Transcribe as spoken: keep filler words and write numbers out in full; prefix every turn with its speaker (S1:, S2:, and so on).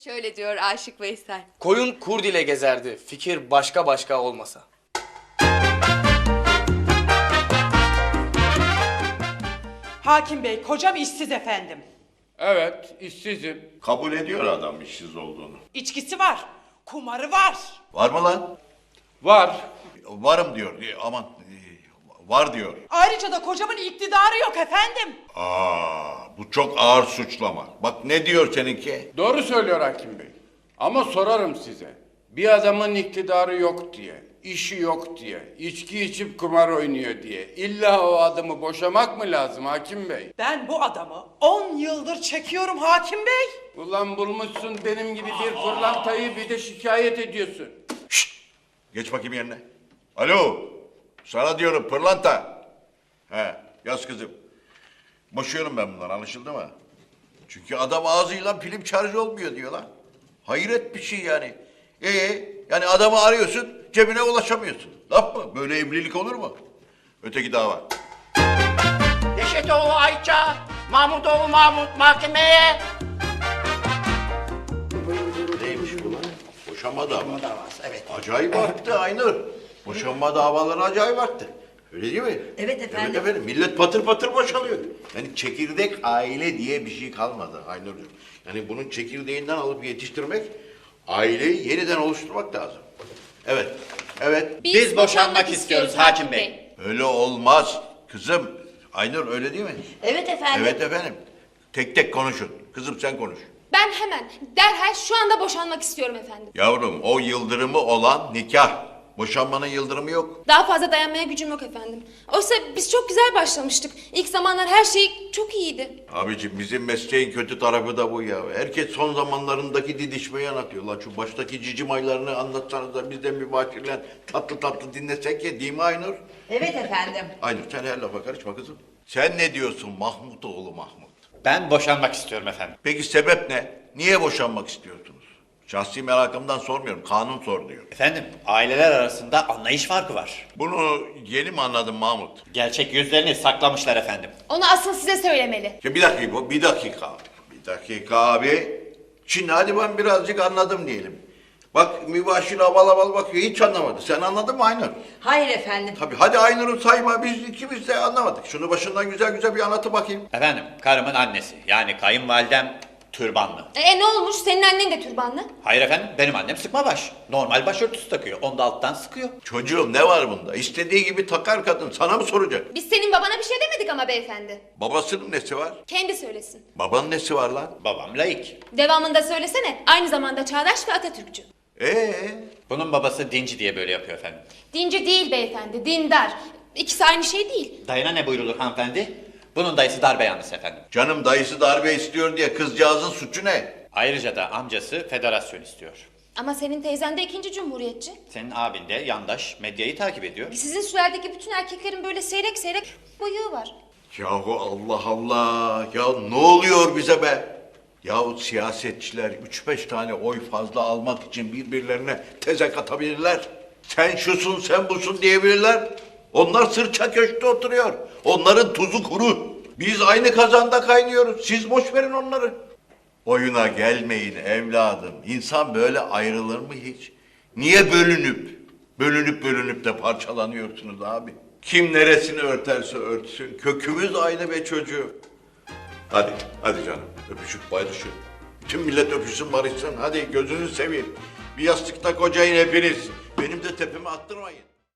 S1: Şöyle diyor Aşık Veysel.
S2: Koyun kurd ile gezerdi, fikir başka başka olmasa.
S3: Hakim Bey, kocam işsiz efendim.
S4: Evet, işsizim.
S5: Kabul ediyor adam işsiz olduğunu.
S3: İçkisi var, kumarı var.
S5: Var mı lan?
S4: Var.
S5: Varım diyor. E, Aman e, var diyor.
S3: Ayrıca da kocamın iktidarı yok efendim.
S5: Aa, bu çok ağır suçlama. Bak ne diyor seninki?
S4: Doğru söylüyor hakim bey. Ama sorarım size. Bir adamın iktidarı yok diye, işi yok diye, içki içip kumar oynuyor diye illa o adamı boşamak mı lazım hakim bey?
S3: Ben bu adamı on yıldır çekiyorum Hakim Bey.
S4: Ulan bulmuşsun benim gibi bir pırlantayı bir de şikayet ediyorsun.
S5: Geç bakayım yerine. Alo. Sana diyorum pırlanta. He, yaz kızım. Boşuyorum ben bundan, anlaşıldı mı? Çünkü adam ağzıyla film şarj olmuyor diyor lan. Hayret bir şey yani. Ee, yani adamı arıyorsun, cebine ulaşamıyorsun. Laf mı? Böyle evlilik olur mu? Öteki dava.
S6: Neşetoğlu Ayça, Mahmutoğlu Mahmut mahkemeye.
S5: Neymiş bu lan? Boşanma davası.
S6: Davası, evet.
S5: Acayip arttı Aynur. Boşanma davaları acayip arttı. Öyle değil mi?
S6: Evet efendim.
S5: Evet efendim. Millet patır patır boşalıyor. Yani çekirdek aile diye bir şey kalmadı Aynur'cum. Yani bunun çekirdeğinden alıp yetiştirmek, aileyi yeniden oluşturmak lazım. Evet, evet.
S1: Biz, boşanmak istiyoruz Hakim Bey.
S5: Öyle olmaz kızım. Aynur öyle değil mi?
S6: Evet efendim.
S5: Evet efendim. Tek tek konuşun. Kızım sen konuş.
S7: Ben hemen, derhal şu anda boşanmak istiyorum efendim.
S5: Yavrum o yıldırımı olan nikah. Boşanmanın yıldırımı yok.
S7: Daha fazla dayanmaya gücüm yok efendim. Oysa biz çok güzel başlamıştık. İlk zamanlar her şey çok iyiydi.
S5: Abiciğim bizim mesleğin kötü tarafı da bu ya. Herkes son zamanlarındaki didişmeyi anlatıyor. Lan şu baştaki cicim aylarını anlatsanız da biz de mübaşirle tatlı tatlı dinlesek ya, değil mi Aynur?
S6: Evet efendim.
S5: Aynur sen her lafa karışma kızım. Sen ne diyorsun Mahmutoğlu Mahmut?
S8: Ben boşanmak istiyorum efendim.
S5: Peki sebep ne? Niye boşanmak istiyorsunuz? Şahsi merakımdan sormuyorum. Kanun sor diyor.
S8: Efendim, aileler arasında anlayış farkı var.
S5: Bunu yeni mi anladın Mahmut?
S8: Gerçek yüzlerini saklamışlar efendim.
S7: Onu asıl size söylemeli.
S5: Ya bir dakika, bir dakika. Bir dakika abi. Şimdi hadi ben birazcık anladım diyelim. Bak mübaşir aval aval bakıyor, hiç anlamadı. Sen anladın mı Aynur?
S6: Hayır efendim.
S5: Tabii hadi Aynur'u sayma, biz ikimiz de anlamadık. Şunu başından güzel güzel bir anlatı bakayım.
S8: Efendim, karımın annesi yani kayınvalidem türbanlı.
S7: E ne olmuş? Senin annen de türbanlı.
S8: Hayır efendim, benim annem sıkma baş. Normal başörtüsü takıyor, onu da alttan sıkıyor.
S5: Çocuğum ne var bunda? İstediği gibi takar kadın, sana mı soracak?
S7: Biz senin babana bir şey demedik ama beyefendi.
S5: Babasının nesi var?
S7: Kendi söylesin.
S5: Babanın nesi var lan?
S8: Babam laik.
S7: Devamında söylesene. Aynı zamanda çağdaş ve Atatürkçü.
S5: Ee,
S8: Bunun babası dinci diye böyle yapıyor efendim.
S7: Dinci değil beyefendi, dindar. İkisi aynı şey değil.
S8: Dayına ne buyrulur hanımefendi? Bunun dayısı darbe yanlısı efendim.
S5: canım dayısı darbe istiyor diye kızcağızın suçu ne?
S8: Ayrıca da amcası federasyon istiyor.
S7: Ama senin teyzen de ikinci cumhuriyetçi.
S8: Senin abin de yandaş, medyayı takip ediyor.
S7: Sizin sülaledeki bütün erkeklerin böyle seyrek seyrek bıyığı var.
S5: Yahu Allah Allah, ya ne oluyor bize be? Yahu siyasetçiler üç beş tane oy fazla almak için birbirlerine tezek atabilirler. Sen şusun, sen busun diyebilirler. Onlar sırça köşkte oturuyor. Onların tuzu kuru. Biz aynı kazanda kaynıyoruz. Siz boş verin onları. Oyuna gelmeyin evladım. İnsan böyle ayrılır mı hiç? Niye bölünüp, bölünüp bölünüp de parçalanıyorsunuz abi? Kim neresini örterse örtsün. Kökümüz aynı be çocuğum. Hadi, hadi canım. Öpüşüp barışın. Bütün millet öpüşsün barışsın. Hadi gözünü seveyim. Bir yastıkta kocayın hepiniz. Benim de tepeme attırmayın.